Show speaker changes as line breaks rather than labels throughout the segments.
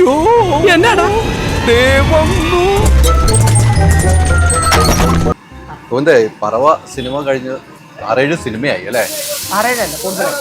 അയ്യോ എന്നാടാ
ഓന്റെ പറവ സിനിമ കഴിഞ്ഞ് 6-7 സിനിമയായി അല്ലേ?
6-7 കൂടുതലായി.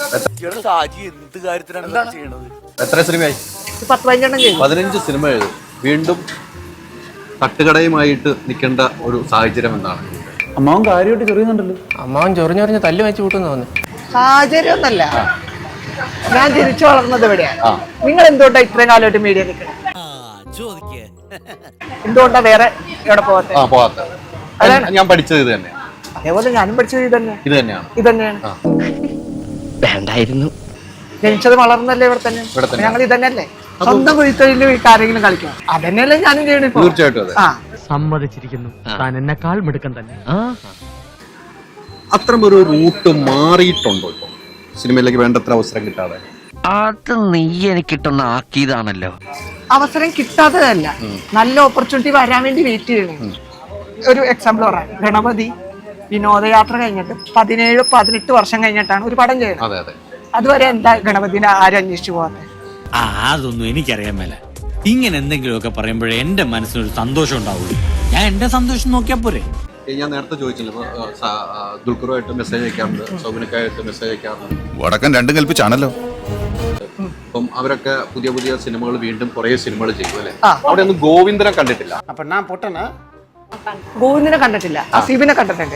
എത്ര സിനിമയായി?
10-15 ചെയ്തു.
15 സിനിമ എഴുതും. വീണ്ടും തട്ടുകടയുമായിട്ട് നിൽക്കേണ്ട ഒരു സാഹചര്യം എന്താണ്?
അമ്മാവൻ കാര്യമായിട്ട് ചെറിയുന്നുണ്ടല്ലോ.
അമ്മാവൻ ചൊറിഞ്ഞൊറിഞ്ഞ് തല്ലു വെച്ച് കൂട്ടുന്നു തോന്നുന്നു.
സാഹചര്യം ഒന്നല്ല, ഞാൻ ജനിച്ചു വളർന്നത് എവിടെയാണ്. നിങ്ങൾ എന്തുകൊണ്ടാ ഇത്രയും കാലമായിട്ട് മീഡിയ നിൽക്കുന്നത്? എന്തുകൊണ്ടാ വേറെ എവിടെ പോകാത്ത?
ഞാൻ പഠിച്ചത് ഇത് തന്നെ.
അതേപോലെ ഞാനും പഠിച്ചത് ഇത് തന്നെയാണ്.
വേണ്ടായിരുന്നു.
ജനിച്ചത് വളർന്നല്ലേ ഇവിടെ തന്നെ. ഞങ്ങൾ ഇത് തന്നെയല്ലേ. സ്വന്തം കുഴിത്തൊഴിൽ ആരെങ്കിലും കളിക്കണം, അതന്നെയല്ലേ ഞാനും ചെയ്യണം ഇപ്പൊ.
തീർച്ചയായിട്ടും അതെ.
സമ്മതിച്ചിരിക്കുന്നു, താൻ എന്നെക്കാൾ മിടുക്കൻ തന്നെ.
അത്തരമൊരു റൂട്ട് മാറിയിട്ടുണ്ടോ ഇപ്പൊ സിനിമയിലേക്ക് വേണ്ടത്ര അവസരം കിട്ടാതെ?
അത് നീ എനിക്കിട്ടൊന്ന് ആക്കിയതാണല്ലോ.
അവസരം കിട്ടാത്തതല്ല, നല്ല ഓപ്പർച്യൂണിറ്റി വരാൻ വേണ്ടി വെയിറ്റ് ചെയ്യണം. ഒരു എക്സാമ്പിൾ പറയാം, ഗണപതി വിനോദയാത്ര കഴിഞ്ഞിട്ട് 17-18 വർഷം കഴിഞ്ഞിട്ടാണ് ഒരു പടം ചെയ്യുന്നത്. അതുവരെ എന്താ ഗണപതിനെ ആരും അന്വേഷിച്ചു പോകാതെ?
അതൊന്നും എനിക്കറിയാൻ മേല. ഇങ്ങനെ എന്തെങ്കിലുമൊക്കെ പറയുമ്പോഴേ എന്റെ മനസ്സിനൊരു സന്തോഷം ഉണ്ടാവുള്ളൂ. ഞാൻ എന്റെ സന്തോഷം നോക്കിയാ പോരെ.
ഞാൻ നേരത്തെ ചോദിച്ചില്ല, ദുൽഖറുമായിട്ട് മെസ്സേജ് അയക്കാറുണ്ട്, സൗബിനക്കായിട്ട് മെസ്സേജ് അയക്കാറുണ്ട്.
വടക്കൻ രണ്ടും കൽപ്പിച്ചാണല്ലോ.
അപ്പം അവരൊക്കെ പുതിയ പുതിയ സിനിമകൾ വീണ്ടും കുറെ സിനിമകൾ ചെയ്യും അല്ലേ? അവിടെ ഒന്നും ഗോവിന്ദനെ കണ്ടിട്ടില്ല.
അപ്പൊ ഞാൻ പൊട്ടനാ? ഗോവിന്ദനെ കണ്ടിട്ടില്ല, അസീബിനെ കണ്ടിട്ടുണ്ട്.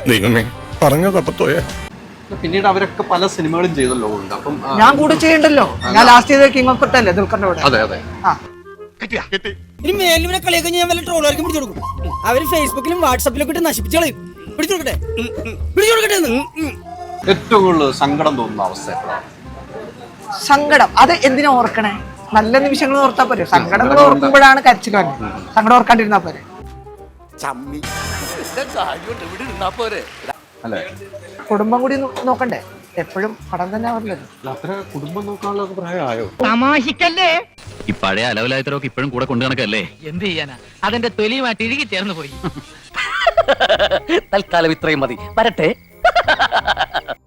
പിന്നീട് അവരൊക്കെ പല സിനിമകളും ചെയ്തല്ലോ. അപ്പം
ഞാൻ കൂടെ ചെയ്യണ്ടല്ലോ. ഞാൻ ലാസ്റ്റ് ചെയ്ത കിങ് ഓഫ് കൊട്ടല്ലേ ദുൽഖറിന്റെ കൂടെ.
അതെ.
ഇനി മേലിനെ കളിയൊക്കെ ഞാൻ വല്ല ട്രോളുകാർക്ക് പിടിച്ചു കൊടുക്കും. അവര് ഫേസ്ബുക്കിലും വാട്സാപ്പിലും ഇട്ട് നശിപ്പിച്ചു കളയും. പിടിച്ചു കൊടുക്കട്ടെ.
ഏറ്റവും കൂടുതൽ സങ്കടം തോന്നുന്ന അവസ്ഥ എപ്പോഴാണ്?
സങ്കടം അത് എന്തിനാ ഓർക്കണേ? നല്ല നിമിഷങ്ങൾ ഓർത്താ പോരെ. സങ്കടങ്ങൾ ഓർക്കുമ്പോഴാണ് കരച്ചിൽ വന്നത്. സങ്കടം ഓർക്കാണ്ടിരുന്നാ പോരെ.
അല്ലേ?
കുടുംബം കൂടി നോക്കണ്ടേ? എപ്പോഴും പടം തന്നെ ആവില്ലല്ലോ.
അത്ര കുടുംബം നോക്കാനുള്ള പ്രായമായോ?
തമാശിക്കല്ലേ?
ഈ പഴയ അലവലായത്തരൊക്കെ ഇപ്പോഴും കൂടെ കൊണ്ടു കണക്കല്ലേ?
എന്ത് ചെയ്യാനാ, അതെന്റെ തൊലിയുമായിട്ട് ഇഴുകി ചേർന്ന് പോയി.
തൽക്കാലം ഇത്രയും മതി. വരട്ടെ.